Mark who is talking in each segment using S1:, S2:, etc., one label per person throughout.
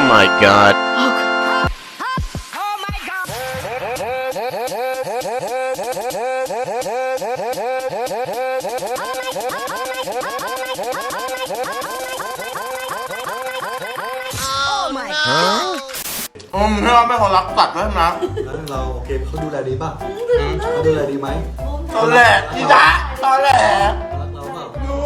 S1: my god. Huh?
S2: พี่ว่าไม่คนรักสัตว์ด้วยนะ
S3: เราโอเคเขาดูแลดีป่ะเขาดูแลดีไหม
S2: ตอนแรกพี่จ๊ะตอนแรก
S3: รักเราเปล่า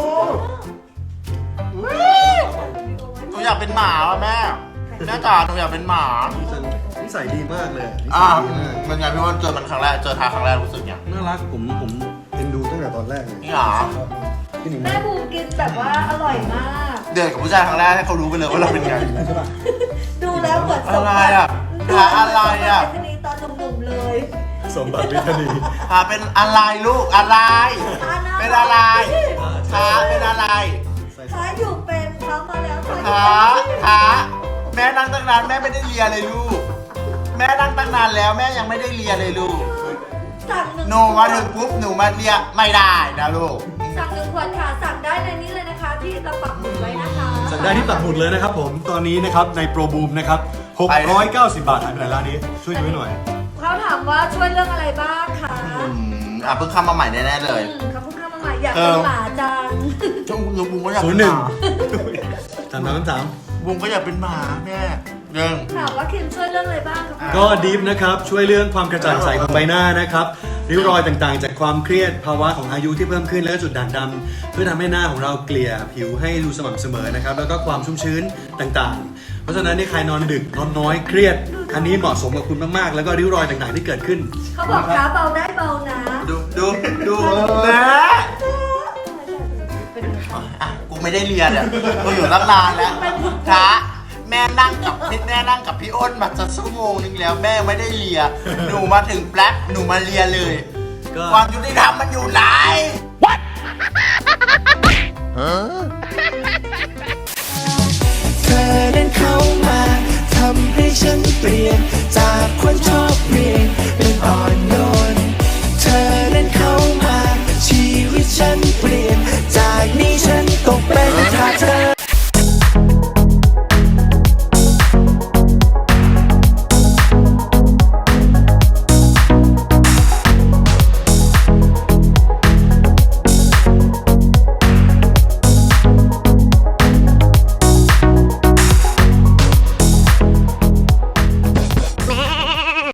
S2: หนูอยากเป็นหมาว่ะแม่จ๋าหนูอยากเป็นหมา
S3: นิสัยดีมากเลยนิสั
S2: อ่าย
S3: ดีมาก
S2: มันไงพี่ว่าเจอมันครั้งแรกเจอทาครั้งแรกรู้สึกยัง
S3: น่ารักผมเอ็นดูตั้งแต่ตอนแรกเลย
S2: นี่หรอ
S3: พี่หนิง
S4: แม่บูมกินแบบว่าอร่อยมาก
S2: เดือดกับผู้ชายครั้งแรกให้เขารู้ไปเลยว่าเราเป็นไง
S3: ใช่ป่ะ
S4: ดูแล้วเหมือนสม
S2: อะไร
S4: บัติ
S2: อ่ะหาอะไรอ่ะ
S4: สมบัติคดีตอนหนุ่มๆเลย
S3: สมบัติวิทนี
S2: หาเป็นอะไรลูกอะไร เป็นอะไรหาเป็นอะไร
S4: ท้าอยู่เป็นเขามาแล้ว
S2: หาแม่นั่งตั้งนานแม่ไม่ได้เลียเลยลูก แม่นั่งตั้งนานแล้วแม่ยังไม่ได้เลียเลยลูก
S4: สั่งหนึ่ง
S2: หนูมาถึงปุ๊บหนูมาเลียไม่ได้นะลูก
S4: สั่ง1 ขวดค่ะสั่งได้ในนี้เลยนะคะ ที่เราปักหมุดไว้นะคะ
S3: สั่งได้ที่ปักหมุดเลยนะครับผมตอนนี้นะครับในโปรบูมนะครับ690 บาทหายไปไหนร้านนี้ช่วยดูให้หน่อย
S4: เขาถามว่าช่วยเรื่องอะไรบ้างคะ
S2: เพิ่งเข้ามาใหม่แน่ๆเลย
S4: เขาเพิ่งเข้ามาใหม่อยากเป็นหมาจัง
S2: ช่วงบุ้งก็อยากเป็นหมา
S3: 3
S2: บุ้งก็อยากเป็นหมาแม่เรื่อง
S4: ถามว่าคิมช่วยเรื่องอะไรบ้างคะ
S3: ก็ดีฟนะครับช่วยเรื่องความกระจ่างใสของใบหน้านะครับริ้วรอยต่างๆ จากความเครียดภาวะของอายุที่เพิ่มขึ้นและจุดด่างดำเพื่อทำให้หน้าของเราเกลี่ยผิวให้ดูสม่ำเสมอนะครับแล้วก็ความชุ่มชื้นต่างๆ เพราะฉะนั้นนี่ใครนอนดึกนอนน้อยเครียดอันนี้เหมาะสมกับคุณมากๆ แล้วก็ริ้วรอยต่างๆที่เกิดขึ้น
S4: เขาบอกขาเบาได้เบานะ
S2: ดูแม่กูไม่ได้เรียนอ่ะกูอยู่ตั้งนานแล้วช้าแม่นั่งกับพี่อ้นมาจะชั่วโมงนึงแล้วแม่ไม่ได้เลียหนูมาถึงแป๊บหนูมาเลียเลย
S3: ก็
S2: ความยุติธรรมมันอยู่ไหน
S1: Huh?
S5: เธอเดินเข้ามาทำให้ฉันเปลี่ยนจากคนชอบเรียนเป็นอ่อน